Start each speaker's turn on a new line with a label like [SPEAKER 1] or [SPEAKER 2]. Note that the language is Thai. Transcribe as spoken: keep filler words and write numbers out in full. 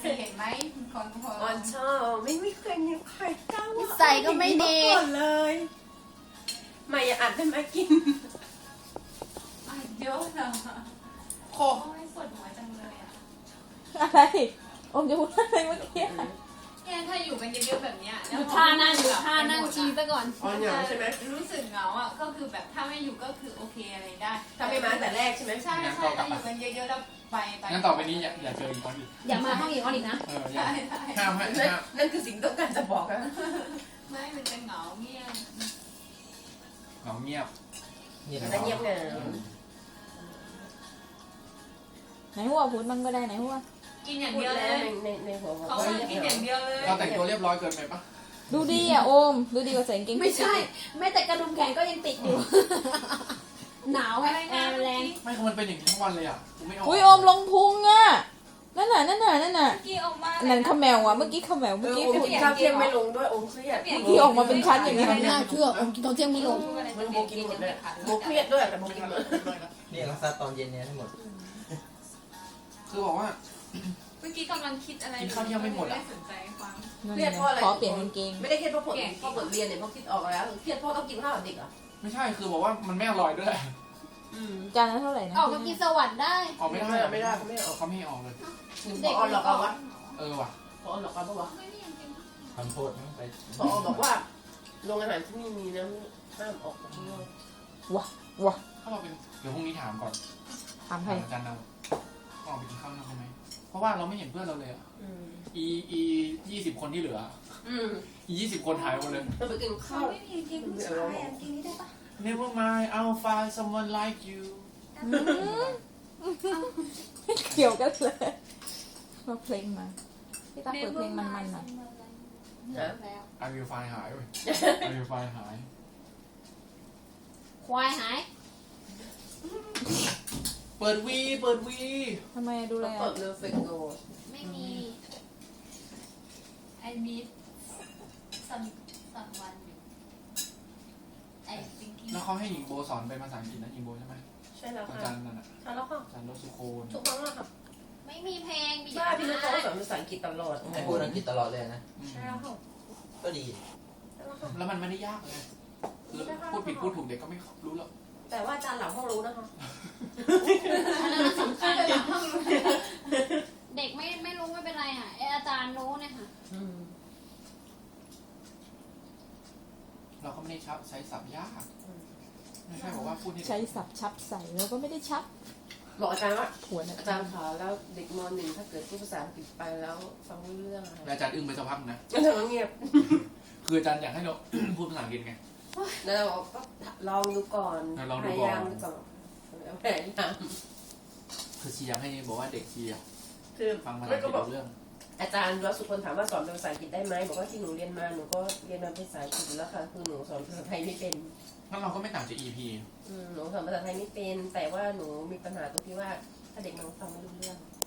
[SPEAKER 1] สิเห็นไหมคนพอ
[SPEAKER 2] อ่อนชอบไม่ไม่เคยมีใครกล้าว่า
[SPEAKER 3] ใส่ก็ไม่ดี
[SPEAKER 2] ก่อนเลยไม่อย่าอัดให้มากิน
[SPEAKER 1] อ่ะเยอะนะ
[SPEAKER 4] โค
[SPEAKER 1] โอ้ยปวดหัวจังเลยอ่ะ
[SPEAKER 3] อะไรอมจะพูดอะไรเมื่อกี้
[SPEAKER 1] เนี่ยถ้าอยู่กันเยอะๆแบบเนี้ย
[SPEAKER 3] ดูท่านั่งดูท่านั่งชีซะก่อน
[SPEAKER 2] อ่อนเหงาใช่ไหม
[SPEAKER 1] รู้สึกเหงาอ่ะก็คือแบบถ้าไม่อยู่ก็คือโอเคอะไรได้
[SPEAKER 2] ถ้าไม่มาแต่แรกใช่ไหม
[SPEAKER 1] ใช่ใช่ถ้าอยู่กันเยอะๆแล้วไปไป
[SPEAKER 4] งั้นต่อไปนี้อย่าอย่าเจออีกคนอีก
[SPEAKER 3] อย่ามาห้องอีกออนอีกนะ
[SPEAKER 4] เอออย่า
[SPEAKER 1] ใช่ใช่
[SPEAKER 4] ห้ามให้
[SPEAKER 2] นั่น
[SPEAKER 4] ห้าม
[SPEAKER 2] นั่นคือสิ่งต้องการจะบอกนะ
[SPEAKER 1] ไม่มันจะเหงาเงียบ
[SPEAKER 4] เหงาเงียบ
[SPEAKER 2] นั่นเงียบเหงา
[SPEAKER 3] ไหนหัวพูดมันก็ได้ไหนหัว
[SPEAKER 1] กินอย่าง
[SPEAKER 2] พูด
[SPEAKER 1] เดียวเล
[SPEAKER 2] แล้ว
[SPEAKER 1] ย
[SPEAKER 2] ในในในหัวบอก
[SPEAKER 1] เขา
[SPEAKER 2] ว่า
[SPEAKER 1] ว่ากินอย่างเดียวเลย
[SPEAKER 4] เราแต่งตัวเรียบร้อยเกินไปปะ
[SPEAKER 3] ดูดีอ่ะโอมดูดีกว่าใส่กางเกง
[SPEAKER 5] ไม่ใช่ แม้แต่กระดุมแขนก็ยังติดอยู่ หนาว
[SPEAKER 1] อะไร
[SPEAKER 5] แอ
[SPEAKER 1] นะ
[SPEAKER 5] ร์
[SPEAKER 1] เมื่อ
[SPEAKER 5] แรง
[SPEAKER 1] กี้
[SPEAKER 4] ไม่คือมันเป็นอย่างนี้ทั้งวันเลยอ่ะกูไม่ออก
[SPEAKER 3] อุ้ยโอมลงพุงอ่ะนั่นน่ะนั่นน่ะนั่นน่ะ
[SPEAKER 1] เมื่อกี้ออกมา
[SPEAKER 3] อันนั้นข้าวแมวอ่ะเมื่อกี้ข้าวแมว
[SPEAKER 2] เอ
[SPEAKER 3] เมื่อ
[SPEAKER 2] อ
[SPEAKER 3] กี้
[SPEAKER 2] โอม
[SPEAKER 3] พูด
[SPEAKER 2] กินข้าวเที่ยงไม่ลงด้วยโอมเครียด
[SPEAKER 3] ที่ออกมาเป็นชั้นอย่างนี้
[SPEAKER 5] ไม่น่าเชื่อผมกินตอนเที่ยงไม่ลง
[SPEAKER 2] มันโบกินหมดเลยโบเครียดด้วยแต่โบกินหมด
[SPEAKER 6] เรียกซัดตอนเย็นเนี่ยให้หมด
[SPEAKER 4] คือบอกว่า
[SPEAKER 1] เมื่อกี้กำลังคิดอะไร
[SPEAKER 4] กินข้าวเที่ยงไม่หมดอะ
[SPEAKER 1] ไม่สนใจฟัง
[SPEAKER 2] เครียดเพราะอะไร
[SPEAKER 3] ขอเปลี่ยนกางเกง
[SPEAKER 2] ไม่ได้เครียดเพราะผลเพราะผลเรียนเนี่ยเพราะคิดออกแล้วเครียดเพราะต้องกินข้าวกับเด็กเหรอ
[SPEAKER 4] ไม่ใช่คือบอกว่ามันไม่อร่อยด้วย
[SPEAKER 2] อืม
[SPEAKER 3] จานละเท่าไหร่นะ
[SPEAKER 5] ออกมากินสวรรค์ได้
[SPEAKER 4] ออกไม่ได้
[SPEAKER 2] ไม่ได้ไม่ได้เขาไม่ออก
[SPEAKER 4] เขาไม่ให้ออกเลย
[SPEAKER 2] หนึ่งพอหลอกเอาวะ
[SPEAKER 4] เออว่ะ
[SPEAKER 2] พอหลอกเอาปะวะ
[SPEAKER 6] ทำโทษมั้งไป
[SPEAKER 2] พอบอกว่าโรงอาหารที่นี่มีนะห้ามออกข้างนอก
[SPEAKER 3] ว้าว้า
[SPEAKER 4] ถ้าเราเป็นเดี๋ยวพรุ่งนี้ถามก่อน
[SPEAKER 3] ถามใคร
[SPEAKER 4] ถามอาจารย์เราออกไปกินข้าวนอกได้ไหมเพราะว่าเราไม่เห็นเพื่อนเราเลยอ่ะ
[SPEAKER 2] อืม
[SPEAKER 4] อีอียี่สิบคนที่เหลือ
[SPEAKER 2] อืม
[SPEAKER 4] อียี่สิบคนหายหมดเลย
[SPEAKER 2] เราไปกินข้าว
[SPEAKER 1] ไม่มีกินผู้ชายอ่ะกินนี่ได้ปะ
[SPEAKER 4] Never mind I'll find someone like you
[SPEAKER 3] ไม่เกี่ยวกันเลยมาเพลงมาพี่ตาเปิดเพลงมันๆหน่อย
[SPEAKER 2] นะ
[SPEAKER 5] แล้ว
[SPEAKER 4] I will find หายเว้ย I will find หาย
[SPEAKER 5] ควายหาย
[SPEAKER 4] เปิดวีเปิดวี
[SPEAKER 3] ทำไมดูแล
[SPEAKER 2] เปิดเรือเฟกโก
[SPEAKER 5] ไม่มี
[SPEAKER 1] ไอมีสัมสัมวันอยู่ไอซิงกิ้ง
[SPEAKER 4] แล้วเขาให้หญิงโบสอนเป็นภาษาอังกฤษนะหญิงโบใช่ไหม
[SPEAKER 2] ใช่แล้ว
[SPEAKER 4] อา
[SPEAKER 2] ค่ะ
[SPEAKER 4] จารย์นั่นน่ะ
[SPEAKER 2] ใช่แล้วค่ะ
[SPEAKER 4] อาจารย์รสุโคน
[SPEAKER 2] ทุกครั้งอะค่ะ
[SPEAKER 5] ไม่มีเพลงมี
[SPEAKER 2] บ้าพี่นุ๊กเขาสอนภาษาอังกฤษตลอด
[SPEAKER 6] ให้พูดอังกฤษตลอดเลยนะ
[SPEAKER 4] อืม
[SPEAKER 2] ใช่แล้วค่ะ
[SPEAKER 6] ก็ดี
[SPEAKER 2] ใช่แล้วค่ะ
[SPEAKER 4] แล้วมันไม่ได้ยากไงคือพูดผิดพูดถูกเด็กก็ไม่รู้หรอก
[SPEAKER 2] แต่ว่าอาจารย์หลังห้องรู้นะคะ
[SPEAKER 5] อันนั้นมันสำคัญเด็กไม่ไม่รู้ไม่เป็นไรค่ะไออาจารย์รู้เนี่ยค่ะ
[SPEAKER 2] อืม
[SPEAKER 4] เราก็ไม่ได้ชับใช้ศัพท์ยากไม่ใช่บอกว่าพูดให้
[SPEAKER 3] ใช้สับชับใส่แล้วก็ไม่ได้ชับ
[SPEAKER 2] บอกอาจารย์ว่า
[SPEAKER 3] หัวนะ
[SPEAKER 2] อาจารย์ขาแล้วเด็กมหนึ่งถ้าเกิดพูดภาษาอังกฤษไปแล้วฟังไม่รู้เรื่องอะไร
[SPEAKER 4] แล้วอาจารย์อึ้งไปสักพักนะ
[SPEAKER 2] อาจารย์ก็เงียบ
[SPEAKER 4] คืออาจารย์อยากให้เรา พูดภาษาอังกฤษไง
[SPEAKER 2] แล้วเราก็ลองดูก่อน
[SPEAKER 4] ลองดู
[SPEAKER 2] พ
[SPEAKER 4] ก่อน
[SPEAKER 2] ยายามดูก่อนพยายาม
[SPEAKER 4] คือเชียร์ให้บอกว่าเด็กเชียร์
[SPEAKER 2] คือ
[SPEAKER 4] ฟังภาษา
[SPEAKER 2] ไม่
[SPEAKER 4] อังก
[SPEAKER 2] ก็
[SPEAKER 4] ฤษ
[SPEAKER 2] บอก
[SPEAKER 4] รู้เรื่อง
[SPEAKER 2] อาจารย์รัสุคนถามว่าสอนเป็นภาษาอังกฤษได้ไหมบอกว่าที่หนูเรียนมาหนูก็เรียนมาเป็นภาษาอังกฤษอยู่แล้วค่ะคือหนูสอนภาษาไทยไม่เป็น
[SPEAKER 4] งั้นเราก็ไม่ต่างจาก อี พี
[SPEAKER 2] อืมหนูสอนภาษาไทยไม่เป็น แต่ว่าหนูมีปัญหาตรงที่ว่าถ้าเด็กมันฟังไม่รู้เรื่อง